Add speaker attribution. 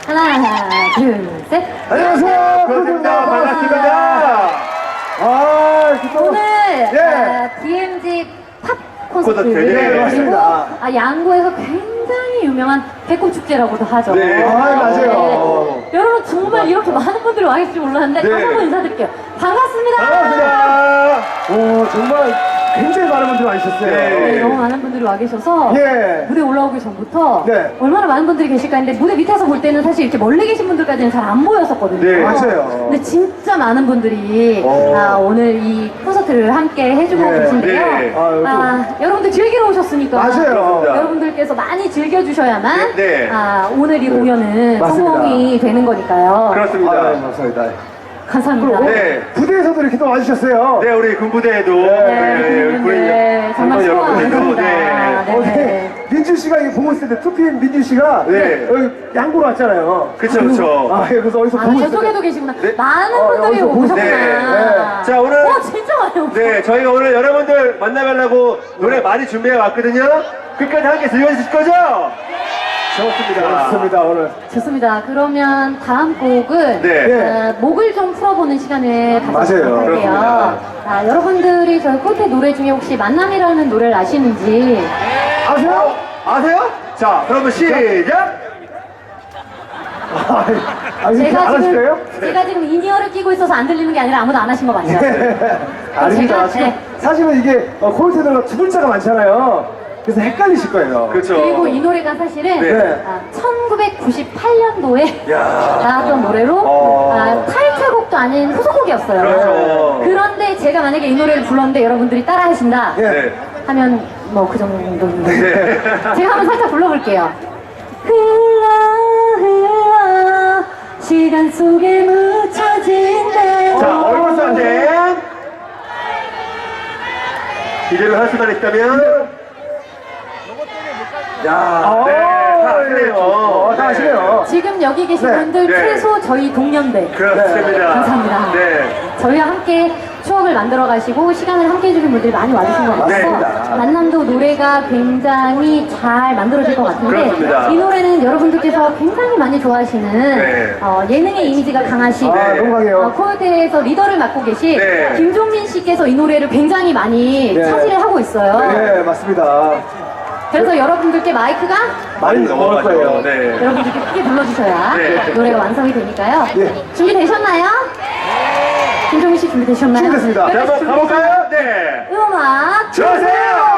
Speaker 1: 하나, 둘, 셋.
Speaker 2: 안녕하세요.
Speaker 3: 반갑습니다.
Speaker 1: 오늘
Speaker 2: 예.
Speaker 1: DMZ 팝 콘서트
Speaker 3: 콘서트, 네,
Speaker 1: 그리고
Speaker 2: 맞습니다.
Speaker 1: 양구에서 굉장히 유명한 배꼽축제라고도 하죠.
Speaker 3: 네.
Speaker 2: 맞아요.
Speaker 1: 여러분 정말 이렇게 많은 분들이 와 계실지 몰랐는데
Speaker 3: 네.
Speaker 1: 다시 한번 인사드릴게요. 반갑습니다.
Speaker 3: 반갑습니다.
Speaker 2: 오, 정말 굉장히 많은 분들이 와주셨어요.
Speaker 1: 네, 너무 많은 분들이 와 계셔서
Speaker 2: 예.
Speaker 1: 무대 올라오기 전부터
Speaker 2: 네.
Speaker 1: 얼마나 많은 분들이 계실까 했는데 무대 밑에서 볼 때는 사실 이렇게 멀리 계신 분들까지는 잘 안 보였었거든요.
Speaker 3: 네,
Speaker 2: 맞아요.
Speaker 1: 근데 진짜 많은 분들이
Speaker 2: 오.
Speaker 1: 오늘 이 콘서트를 함께 해주고
Speaker 2: 네.
Speaker 1: 계신데요.
Speaker 3: 네.
Speaker 1: 여러분들 즐기러 오셨으니까
Speaker 2: 맞아요.
Speaker 1: 여러분들께서 많이 즐겨주셔야만
Speaker 3: 네.
Speaker 1: 오늘 이 공연은
Speaker 2: 맞습니다.
Speaker 1: 성공이 되는 거니까요.
Speaker 3: 그렇습니다.
Speaker 2: 감사합니다.
Speaker 1: 감사합니다.
Speaker 2: 그리고
Speaker 3: 네.
Speaker 2: 부대에서도 이렇게 또 와주셨어요.
Speaker 3: 네, 우리 군부대에도
Speaker 1: 네, 정말 수고 많으십니다. 네.
Speaker 2: 민준 씨가 이거 보고 있을 때, 2PM 민준 씨가
Speaker 3: 네.
Speaker 2: 여기 양구로 왔잖아요.
Speaker 3: 그쵸, 그쵸.
Speaker 2: 아, 예, 그래서 어디서 보고 있어요.
Speaker 1: 저쪽에도 계시구나.
Speaker 3: 네.
Speaker 1: 많은 분들이
Speaker 2: 여기서
Speaker 1: 오셨구나.
Speaker 3: 네. 자, 오늘.
Speaker 1: 진짜 많이 오셨어요.
Speaker 3: 네, 저희가 오늘 여러분들 만나뵈려고 노래 많이 준비해 왔거든요. 끝까지 함께 즐겨주실 거죠? 좋습니다.
Speaker 2: 좋습니다, 오늘.
Speaker 1: 좋습니다. 그러면 다음 곡은
Speaker 3: 네.
Speaker 1: 목을 좀 풀어보는 시간을 가져보도록
Speaker 2: 맞아요.
Speaker 1: 할게요. 여러분들이 저희 콜테 노래 중에 혹시 만남이라는 노래를 아시는지
Speaker 2: 아세요?
Speaker 3: 아세요? 자, 그러면 시작!
Speaker 2: 이렇게 안 하실까요?
Speaker 1: 제가 지금 인이어를 끼고 있어서 안 들리는 게 아니라 아무도 안 하신 거 맞죠?
Speaker 2: 아닙니다.
Speaker 1: 제가-
Speaker 2: 지금
Speaker 1: 네.
Speaker 2: 사실은 이게 콜테들과 두 글자가 많잖아요. 그래서 헷갈리실 거예요.
Speaker 3: 그렇죠.
Speaker 1: 그리고 이 노래가 사실은
Speaker 3: 네.
Speaker 1: 1998년도에
Speaker 3: 야.
Speaker 1: 나왔던 노래로 타이틀곡도 아닌 후속곡이었어요.
Speaker 3: 그렇죠.
Speaker 1: 그런데 제가 만약에 이 노래를 불렀는데 여러분들이 따라 하신다
Speaker 2: 예.
Speaker 3: 네.
Speaker 1: 하면 뭐 그 정도인데
Speaker 3: 네.
Speaker 1: 제가 한번 살짝 불러볼게요. 흘러 흘러 시간 속에 묻혀진 내
Speaker 3: 자, 얼굴 선생. 이대로 할 수만 있다면. 야, 네, 다 아시네요.
Speaker 2: 다 아시네요.
Speaker 1: 지금 여기 계신
Speaker 2: 네.
Speaker 1: 분들
Speaker 3: 네.
Speaker 1: 최소 저희 동년배
Speaker 3: 그렇습니다.
Speaker 1: 감사합니다.
Speaker 3: 네.
Speaker 1: 저희와 함께 추억을 만들어 가시고 시간을 함께 해주신 분들이 많이 와주신 것 같아서
Speaker 2: 맞습니다.
Speaker 1: 만남도 노래가 굉장히 잘 만들어질 것 같은데
Speaker 3: 그렇습니다.
Speaker 1: 이 노래는 여러분들께서 굉장히 많이 좋아하시는
Speaker 3: 네.
Speaker 1: 예능의 이미지가 강하신
Speaker 2: 너무 강해요.
Speaker 1: 코요태에서 리더를 맡고 계신
Speaker 3: 네.
Speaker 1: 김종민 씨께서 이 노래를 굉장히 많이
Speaker 2: 네.
Speaker 1: 차지를 하고 있어요.
Speaker 2: 네, 맞습니다.
Speaker 1: 그래서 여러분들께 마이크가
Speaker 2: 많이 넘어갈 거예요.
Speaker 3: 네.
Speaker 1: 여러분들께 크게 불러주셔야
Speaker 3: 네.
Speaker 1: 노래가 완성이 되니까요.
Speaker 2: 예.
Speaker 1: 준비되셨나요? 김종민 씨 준비되셨나요?
Speaker 2: 준비됐습니다.
Speaker 3: 자, 한번 가볼까요? 네.
Speaker 1: 음악
Speaker 3: 주세요!